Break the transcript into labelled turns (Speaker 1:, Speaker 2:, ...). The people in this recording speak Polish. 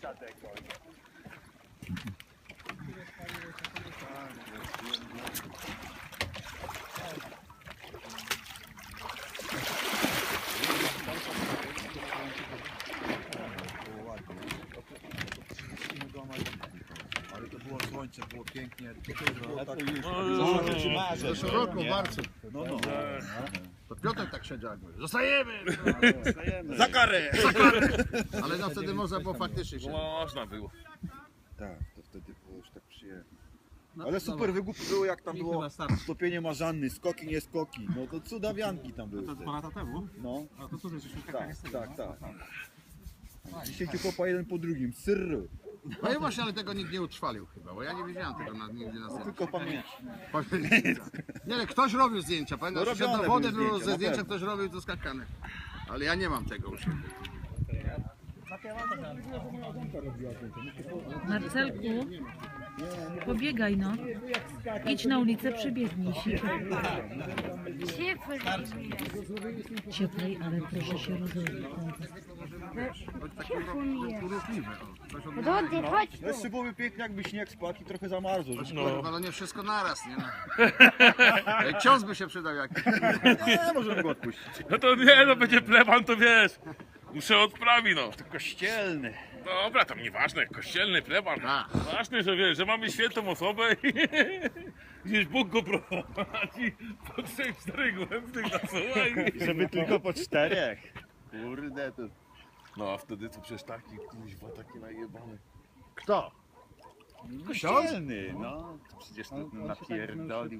Speaker 1: Ale to było słońce, było pięknie.
Speaker 2: W zeszłym roku bardzo.
Speaker 1: No.
Speaker 2: To Piotr tak siedział. Zostajemy!
Speaker 1: Za karę!
Speaker 2: Ale no wtedy można było faktycznie się.
Speaker 3: Można było.
Speaker 1: Tak, to wtedy było już tak przyjemnie. Ale super wygłup było, jak tam było stopienie marzanny, skoki, nie skoki. No to cudawianki tam były.
Speaker 4: To 2 lata temu?
Speaker 1: No,
Speaker 4: A to cudzy, żeśmy
Speaker 1: tak. Dzisiaj tylko po jeden po drugim, syrru.
Speaker 2: No i właśnie, ale tego nikt nie utrwalił chyba, bo ja nie widziałem tego nigdy na zdjęciu.
Speaker 1: Tylko pamięć.
Speaker 2: Nie, ale ktoś robił zdjęcia, pamiętasz?
Speaker 1: No
Speaker 2: No
Speaker 1: robione
Speaker 2: do wody
Speaker 1: były
Speaker 2: było
Speaker 1: zdjęcia,
Speaker 2: ze
Speaker 1: na
Speaker 2: zdjęcia,
Speaker 1: pewno.
Speaker 2: ktoś robił to skakane. Ale ja nie mam tego u siebie.
Speaker 5: Marcelku, pobiegaj no. Idź na ulicę, przebiegnij się. Cieplej, ale proszę się rozejrzeć.
Speaker 2: Taki ruchliwy.
Speaker 6: Rody, chodź tu.
Speaker 1: Jeszcze byłoby pięknie, jakby śnieg spadł i trochę zamarzło.
Speaker 2: No nie wszystko naraz, nie? Cios by się przydał jakiś.
Speaker 1: Nie, możemy go odpuścić.
Speaker 3: No to nie, no będzie pleban, to wiesz. Muszę odprawić, no.
Speaker 1: Kościelny.
Speaker 3: Dobra, tam nieważne, kościelny pleban.
Speaker 2: A.
Speaker 3: Ważne, że wiesz, że mamy świętą osobę i gdzieś Bóg go prowadzi po 3-4 głębnych nasuwa i...
Speaker 1: Żeby tylko po 4. Kurde, to...
Speaker 3: No a wtedy to przecież taki kuźwa, taki najebany.
Speaker 2: Kto?
Speaker 1: Kościelny, no. To przecież to napierdolił.